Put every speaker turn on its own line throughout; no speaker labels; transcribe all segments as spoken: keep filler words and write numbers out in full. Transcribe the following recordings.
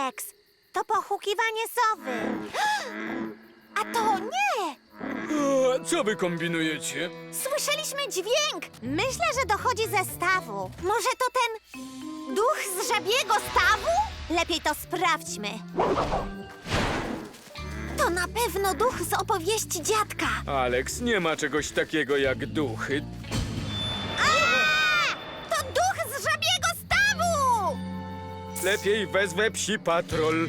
Alex. To pochukiwanie sowy. A to nie!
A, co wy kombinujecie?
Słyszeliśmy dźwięk. Myślę, że dochodzi ze stawu. Może to ten duch z żabiego stawu? Lepiej to sprawdźmy. To na pewno duch z opowieści dziadka.
Alex, nie ma czegoś takiego jak duchy.
A! To duch z żabiego stawu!
Lepiej wezwę psi patrol.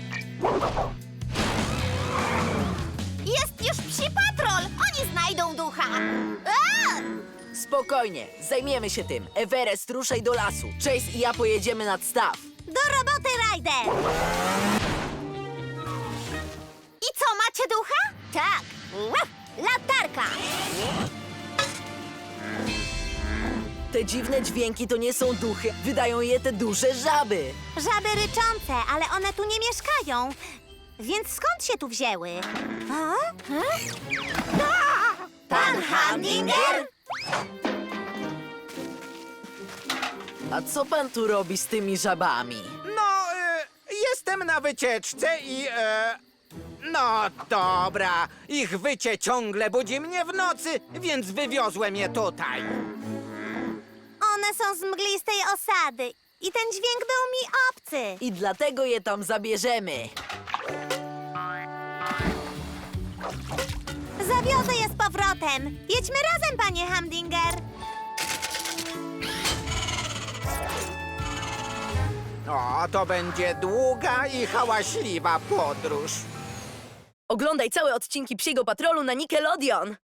Jest już psi patrol! Oni znajdą ducha! A!
Spokojnie, zajmiemy się tym. Everest, ruszaj do lasu. Chase i ja pojedziemy nad staw.
Do roboty, Ryder! I co, macie ducha? Tak! Łap! Latarka!
Te dziwne dźwięki to nie są duchy. Wydają je te duże żaby.
Żaby ryczące, ale one tu nie mieszkają. Więc skąd się tu wzięły? A? A? Pan Hamdinger?
A co pan tu robi z tymi żabami?
No, e, jestem na wycieczce i... E, no dobra, ich wycie ciągle budzi mnie w nocy, więc wywiozłem je tutaj.
One są z mglistej osady i ten dźwięk był mi obcy.
I dlatego je tam zabierzemy.
Zawiozę je z powrotem. Jedźmy razem, panie Hamdinger.
O, to będzie długa i hałaśliwa podróż.
Oglądaj całe odcinki Psiego Patrolu na Nickelodeon.